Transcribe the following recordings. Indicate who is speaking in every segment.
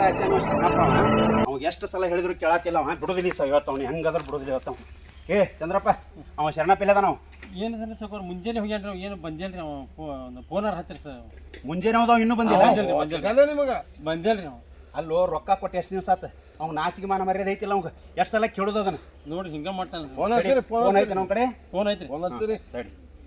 Speaker 1: ಹಚ್ಚಾನ ಶರಣಪ್ಪ ಅವಾಗ ಎಷ್ಟು ಸಲ ಹೇಳಿದ್ರು ಕೇಳತ್ತಿಲ್ಲ ಅವ ಬಿಡುದಿಲ್ಲ ಸರ್ ಇವತ್ತು ಅವ್ನು ಹೆಂಗಾದ್ರೂ ಬಿಡುದಿಲ್ಲ ಇವತ್ತು ಏ ಚಂದ್ರಪ್ಪ ಅವ ಶರಣಪ್ಪ ಇಲ್ಲದ ನಾವು
Speaker 2: ಏನು ಸರ್ ಸರ್ ಮುಂಜಾನೆ ಹೋಗ್ಯಾನ ನಾವು ಏನು ಬಂದಿಲ್ಲ ರೀ ಫೋನಾರ ಹಚ್ಚಿರಿ ಸರ್
Speaker 1: ಮುಂಜಾನೆ ಹೋದವ್ ಇನ್ನೂ ಬಂದಿಲ್ಲ
Speaker 3: ನಿಮಗೆ
Speaker 2: ಬಂದಿಲ್ಲ ರೀ ನಾವು
Speaker 1: ಅಲ್ಲೋ ರೊಕ್ಕ ಕೊಟ್ಟು ಎಷ್ಟು ದಿವಸ ಆತ ಅವ್ನು ನಾಚಿಗೆ ಮಾನ ಮರ್ಯಾದೆ ಐತಿಲ್ಲ ಅವ್ಗೆ ಎಷ್ಟು ಸಲ ಕೇಳೋದು ಅದನ್ನ
Speaker 2: ನೋಡಿ ಹಿಂಗೆ ಮಾಡ್ತಾನೆ
Speaker 1: ಫೋನ್ ಐತೆ ನಮ್ಮ ಕಡೆ
Speaker 2: ಫೋನ್ ಐತ್ರಿ
Speaker 3: ತಡಿ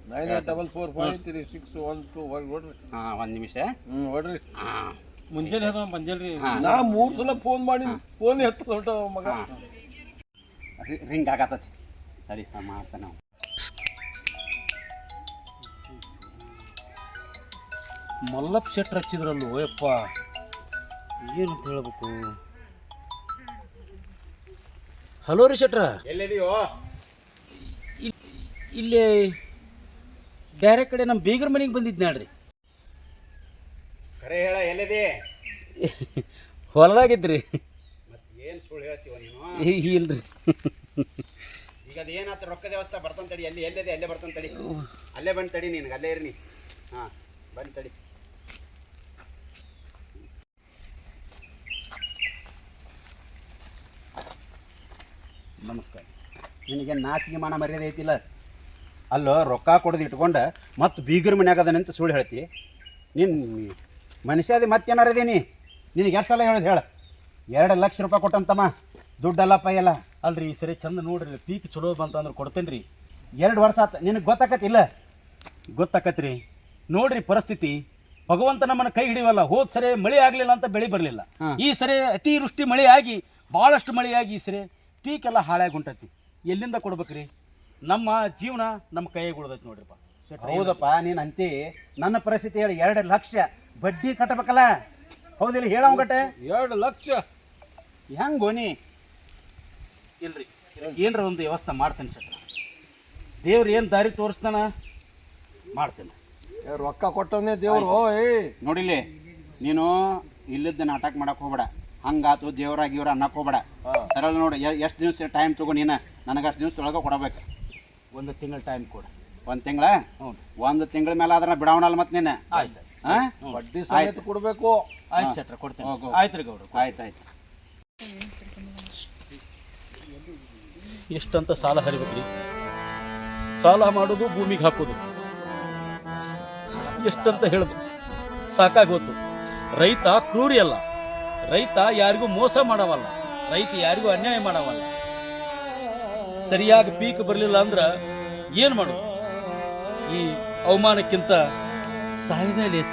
Speaker 3: 9844536112 ನೋಡ್ರಿ
Speaker 1: ಹಾಂ ಒಂದು ನಿಮಿಷ
Speaker 3: ನೋಡ್ರಿ
Speaker 2: ಮುಂಜಾನೆ ಹೋದ ಬಂದಿಲ್ಲ ರೀ
Speaker 3: ನಾ 3 ಸಲ ಫೋನ್ ಮಾಡಿ ಫೋನ್ ಎತ್ತ ಹೊಂಟ ಮಗ
Speaker 1: ರಿಂಗ್ ಆಗತ್ತತಿ ಸರಿ ಮಾಡ್ತಾನೆ ನಾವು
Speaker 2: ಮಲ್ಲಪ್ಪ ಶೆಟ್ರ್ ಹಚ್ಚಿದ್ರಲ್ಲು ಯಪ್ಪ ಏನಂತ ಹೇಳ್ಬೇಕು. ಹಲೋ ರೀ ಶೆಟ್ರ,
Speaker 1: ಎಲ್ಲಿದೆಯೋ?
Speaker 2: ಇಲ್ಲಿ ಬೇರೆ ಕಡೆ ನಮ್ಮ ಬೀಗರ ಮನೆಗೆ ಬಂದಿದ್ದು ನೋಡ್ರಿ.
Speaker 1: ಖರೆ ಹೇಳ, ಎಲ್ಲಿದೆ?
Speaker 2: ಹೊಲದಾಗಿದ್ರಿ.
Speaker 1: ಮತ್ತೆ ಏನು ಸುಳ್ಳು ಹೇಳ್ತೀವ ನೀನು?
Speaker 2: ಇಲ್ರಿ,
Speaker 1: ಈಗ ಅದೇನಾತ ರೊಕ್ಕ ವ್ಯವಸ್ಥೆ ಬರ್ತಾನೆ ತಡಿ. ಎಲ್ಲಿದೆ ಅಲ್ಲೇ ಬರ್ತಾನೆ ತಡಿ. ಅಲ್ಲೇ ಬಂದು ತಡಿ, ನಿನಗೆ ಅಲ್ಲೇ ಇರ್ನಿ. ಹಾಂ ಬಂದು ತಡಿ. ನಮಸ್ಕಾರ. ನಿನಗೆ ನಾಚಿಗೆ ಮಾನ ಮರ್ಯಾದೆ ಐತಿಲ್ಲ? ಅಲ್ಲೋ ರೊಕ್ಕ ಕೊಡೋದು ಇಟ್ಕೊಂಡು ಮತ್ತು ಬೀಗರ ಮನ್ಯಾಗ ಅದನಂತ ಸುಳ್ಳು ಹೇಳ್ತಿ ನೀನು. ಮನುಷ್ಯದ ಮತ್ತೇನಾರ ಇದೀನಿ ನಿನಗೆ ಎರಡು ಸಲ ಹೇಳೋದು ಹೇಳ. 2 ಲಕ್ಷ ರೂಪಾಯಿ ಕೊಟ್ಟಂತಮ್ಮ, ದುಡ್ಡಲ್ಲಪ್ಪ ಎಲ್ಲ.
Speaker 2: ಅಲ್ರಿ ಈ ಸರಿ ಚಂದ ನೋಡ್ರಿ, ಪೀಕ್ ಚಲೋ ಬಂತಂದ್ರೆ ಕೊಡ್ತೇನೆ ರೀ.
Speaker 1: 2 ವರ್ಷ ಆತ, ನಿನಗೆ ಗೊತ್ತಾಕತ್ತಿಲ್ಲ?
Speaker 2: ಗೊತ್ತಾಕತ್ರಿ. ನೋಡ್ರಿ ಪರಿಸ್ಥಿತಿ, ಭಗವಂತ ನಮ್ಮನ್ನು ಕೈ ಹಿಡಿಯವಲ್ಲ. ಹೋದ್ ಸರಿ ಮಳೆ ಆಗಲಿಲ್ಲ ಅಂತ ಬೆಳೆ ಬರಲಿಲ್ಲ. ಈ ಸರಿ ಅತಿವೃಷ್ಟಿ ಮಳೆ ಆಗಿ ಭಾಳಷ್ಟು ಮಳೆಯಾಗಿ ಈ ಸರಿ ಪೀಕ್ ಎಲ್ಲ ಹಾಳಾಗಿ ಹೊಂಟೈತಿ. ಎಲ್ಲಿಂದ ಕೊಡ್ಬೇಕ್ರಿ? ನಮ್ಮ ಜೀವನ ನಮ್ಮ ಕೈಯಾಗ ಉಳ್ದೈತಿ ನೋಡ್ರಿಪ್ಪ.
Speaker 1: ಹೌದಪ್ಪ, ನೀನು ಅಂತಿ. ನನ್ನ ಪರಿಸ್ಥಿತಿ ಹೇಳಿ 2 ಲಕ್ಷ ಬಡ್ಡಿ ಕಟ್ಟಬೇಕಲ್ಲ, ಹೌದಿಲ್ಲ? ಹೇಳ ಗಟ್ಟೆ
Speaker 3: 2 ಲಕ್ಷ
Speaker 1: ಹೆಂಗೋ ನೀ?
Speaker 2: ಇಲ್ರಿ, ಏನರ ಒಂದು ವ್ಯವಸ್ಥೆ ಮಾಡ್ತೇನೆ ಸರ್. ದೇವ್ರು ಏನು ದಾರಿ ತೋರಿಸ್ತಾನ ಮಾಡ್ತೇನೆ.
Speaker 3: ರೊಕ್ಕ ಕೊಟ್ಟವನೇ ದೇವ್ರು.
Speaker 1: ನೋಡಿಲ್ಲಿ, ನೀನು ಇಲ್ಲದ ನಾಟಕ ಮಾಡಕ್ಕೆ ಹೋಗ್ಬೇಡ. ಹಂಗಾತು ದೇವ್ರಾಗಿ ಇವ್ರ ಅನ್ನಕ್ಕೆ ಹೋಗ್ಬೇಡ. ಸರಳ ನೋಡಿ, ಎಷ್ಟು ದಿವಸ ಟೈಮ್ ತಗೋ ನೀನು. ನನಗೆ ಅಷ್ಟು ದಿವಸದೊಳಗೆ ಕೊಡಬೇಕು.
Speaker 2: 1 ತಿಂಗಳ ಟೈಮ್ ಕೊಡ.
Speaker 1: 1 ತಿಂಗಳ? ಹ್ಞೂ, 1 ತಿಂಗಳ ಮೇಲೆ ಅದನ್ನ ಬಿಡವಣಲ್ಲ ಮತ್ತೆ ನೀನು.
Speaker 2: ಆಯ್ತು,
Speaker 1: ಹಾಂ,
Speaker 3: ಬಡ್ಡಿ ಸಮೇತ ಕೊಡಬೇಕು.
Speaker 2: ಆಯ್ತು ಸೆಟ್ರ, ಕೊಡ್ತೇನೆ. ಆಯ್ತು ರೀ ಗೌಡ್ರು,
Speaker 1: ಆಯ್ತು.
Speaker 2: ಎಷ್ಟಂತ ಸಾಲ ಹರಿಬೇಕ್ರಿ? ಸಾಲ ಮಾಡೋದು, ಭೂಮಿಗೆ ಹಾಕೋದು, ಎಷ್ಟಂತ ಹೇಳ್ಬೇಕು? ಸಾಕಾಗಿ ಹೋತು. ರೈತ ಕ್ರೂರಿ ಅಲ್ಲ, ರೈತ ಯಾರಿಗೂ ಮೋಸ ಮಾಡವಲ್ಲ, ರೈತ ಯಾರಿಗೂ ಅನ್ಯಾಯ ಮಾಡವಲ್ಲ. ಸರಿಯಾಗಿ ಪೀಕ್ ಬರಲಿಲ್ಲ ಅಂದ್ರೆ ಏನು ಮಾಡೋದು? ಈ ಅವಮಾನಕ್ಕಿಂತ ಸಾಯೋದೇ ಲೇಸ.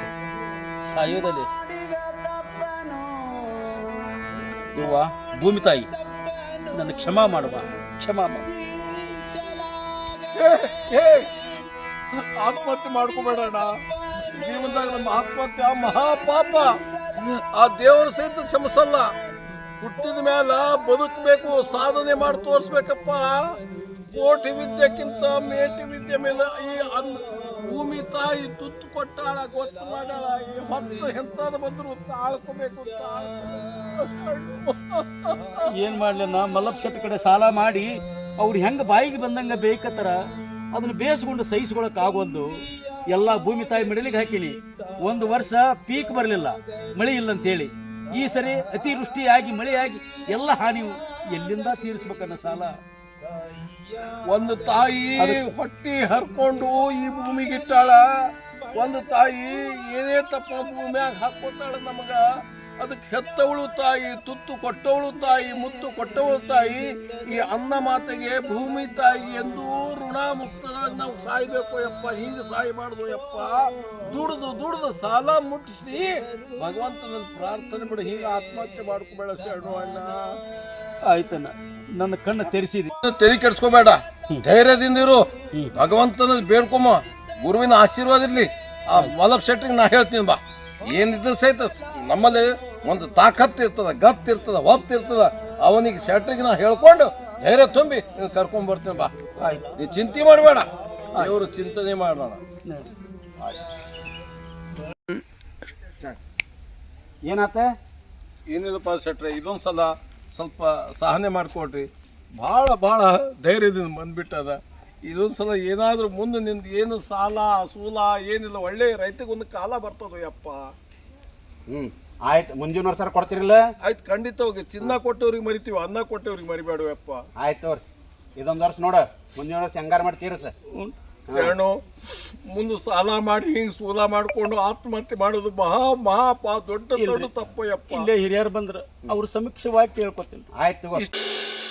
Speaker 2: ಯವ್ವ ಭೂಮಿ ತಾಯಿ, ನನ್ನ ಕ್ಷಮಾ ಮಾಡುವ.
Speaker 3: ಆತ್ಮಹತ್ಯೆ ಮಾಡ್ಕೋಬೇಡಣ್ಣ. ಜೀವನದಾಗ ನಮ್ಮ ಆತ್ಮಹತ್ಯೆ ಮಹಾಪಾಪ. ಆ ದೇವರ ಸಹಿತ ಕ್ಷಮಿಸಲ್ಲ. ಹುಟ್ಟಿದ ಮೇಲ ಬದುಕಬೇಕು, ಸಾಧನೆ ಮಾಡಿ ತೋರಿಸ್ಬೇಕಪ್ಪ. ಕೋಟಿ ವಿದ್ಯೆಕ್ಕಿಂತ ಮೇಟಿ ವಿದ್ಯೆ ಮೇಲೆ ಈ ಭೂಮಿ ತಾಯಿ ತುತ್ತು ಕೊಟ್ಟಾಳ, ಗೊತ್ತು ಮಾಡಾಳ. ಈ ಮತ್ತೆ ಎಂತಾದ ಬಂದ್ರು ತಾಳ್ಕೋಬೇಕು.
Speaker 2: ಏನ್ ಮಾಡ್ಲಿಲ್ಲ, ಮಲ್ಲಪ್ಪ ಶೆಟ್ಟಿ ಕಡೆ ಸಾಲ ಮಾಡಿ ಅವ್ರು ಹೆಂಗ ಬಾಯಿಗೆ ಬಂದಂಗ ಬೇಕತ್ತರ ಅದನ್ನ ಬೇಯಿಸ್ಕೊಂಡು ಸಹಿಸ್ಕೊಳಕ್ ಆಗೋದು. ಎಲ್ಲ ಭೂಮಿ ತಾಯಿ ಮಿಡಲಿಗೆ ಹಾಕಿನಿ. 1 ವರ್ಷ ಪೀಕ್ ಬರಲಿಲ್ಲ, ಮಳೆ ಇಲ್ಲ ಅಂತೇಳಿ. ಈ ಸರಿ ಅತಿವೃಷ್ಟಿಯಾಗಿ ಮಳೆಯಾಗಿ ಎಲ್ಲ ಹಾನಿ. ಎಲ್ಲಿಂದ ತೀರಿಸ್ಬೇಕನ್ನ ಸಾಲ?
Speaker 3: ಒಂದು ತಾಯಿ ಹೊಟ್ಟಿ ಹರ್ಕೊಂಡು ಈ ಭೂಮಿಗಿಟ್ಟಾಳ. ಒಂದು ತಾಯಿ ಏನೇ ತಪ್ಪ ಭೂಮಿಯಾಗ ಹಾಕೋತಾಳ ನಮಗ. ಅದಕ್ಕೆ ಹೆತ್ತವಳು ತಾಯಿ, ತುತ್ತು ಕೊಟ್ಟವಳು ತಾಯಿ, ಮುತ್ತು ಕೊಟ್ಟವಳು ತಾಯಿ. ಈ ಅನ್ನ ಮಾತೆಗೆ ಭೂಮಿ ತಾಯಿ ಎಂದು ಋಣ ಮುಕ್ತದಾಗ ನಾವು ಸಾಯ್ಬೇಕು ಯಪ್ಪ. ಹೀಗೆ ಸಾಯಬಾರ್ದು ಯಪ್ಪ. ದುಡ್ದು ಸಾಲ ಮುಟ್ಟಿಸಿ ಭಗವಂತನ ಪ್ರಾರ್ಥನೆ ಮಾಡಿ ಹೀಗೆ ಆತ್ಮಹತ್ಯೆ ಮಾಡ್ಕೋಬೇಡ ಶರಣು ಅಣ್ಣ.
Speaker 2: ಆಯ್ತಣ್ಣ, ನನ್ನ ಕಣ್ಣು ತೆರೆಸಿದಿ.
Speaker 3: ತೆರಿ ಕೆಡ್ಸ್ಕೋಬೇಡ, ಧೈರ್ಯದಿಂದ ಇರು. ಭಗವಂತನ ಬೇಡ್ಕೊಮ್ಮ, ಗುರುವಿನ ಆಶೀರ್ವಾದ ಇರ್ಲಿ. ಆ ಮಲ್ಲಪ್ಪ ಶೆಟ್ಟಿಗೆ ನಾ ಹೇಳ್ತೀನಿ ಬಾ. ಏನಿದ್ರು ಸಹಿತ ನಮ್ಮಲ್ಲಿ ಒಂದು ತಾಕತ್ತು ಇರ್ತದ, ಗತ್ತು ಇರ್ತದ, ಹೊತ್ತು ಇರ್ತದ. ಅವನಿಗೆ ಶೆಟ್ಟಿಗೆ ನಾ ಹೇಳ್ಕೊಂಡು ಧೈರ್ಯ ತುಂಬಿ ಕರ್ಕೊಂಡ್ ಬರ್ತೀನಿ ಬಾ. ನೀ ಚಿಂತೆ ಮಾಡಬೇಡ, ಇವರು ಚಿಂತನೆ ಮಾಡೋಣ.
Speaker 1: ಏನಾತ?
Speaker 3: ಏನಿಲ್ಲಪ್ಪ ಶೆಟ್ರೆ, ಇದೊಂದು ಸಲ ಸ್ವಲ್ಪ ಸಹನೆ ಮಾಡಿಕೊಡ್ರಿ. ಭಾಳ ಧೈರ್ಯದಿಂದ ಬಂದ್ಬಿಟ್ಟದ. ಇದೊಂದು ಸಲ ಏನಾದರೂ ಮುಂದೆ ನಿಂದು ಏನು ಸಾಲ ಸೂಲ ಏನಿಲ್ಲ, ಒಳ್ಳೆ ರೈತಗೊಂದು ಕಾಲ ಬರ್ತದ ಯಪ್ಪ.
Speaker 1: ಆಯ್ತು ಮುಂದಿನ ವರ್ಷ ಕೊಡ್ತಿರಲ್ಲ.
Speaker 3: ಆಯ್ತು ಖಂಡಿತವಾಗಿ ಚಿನ್ನ ಕೊಟ್ಟವ್ರಿಗೆ ಮರಿತೀವಿ, ಅನ್ನ ಕೊಟ್ಟವ್ರಿಗೆ ಮರಿಬೇಡವಪ್ಪ.
Speaker 1: ಆಯ್ತು ತೋರಿ ಇದೊಂದು ವರ್ಷ ನೋಡ, ಮುಂದಿನ ವರ್ಷ ಹೆಂಗಾರ ಮಾಡಿ ತೀರಸ.
Speaker 3: ಶರಣು, ಮುಂದೆ ಸಾಲ ಮಾಡಿ ಹಿಂಗ್ ಸೂಲ ಮಾಡ್ಕೊಂಡು ಆತ್ಮಹತ್ಯೆ ಮಾಡೋದು ದೊಡ್ಡ ದೊಡ್ಡ ತಪ್ಪಯ್ಯಪ್ಪ.
Speaker 2: ಇಲ್ಲೇ ಹಿರಿಯರು ಬಂದ್ರ ಅವ್ರ ಸಮೀಕ್ಷವಾಗಿ ಕೇಳ್ಕೊತೀನಿ.
Speaker 1: ಆಯ್ತು ತಗೋ.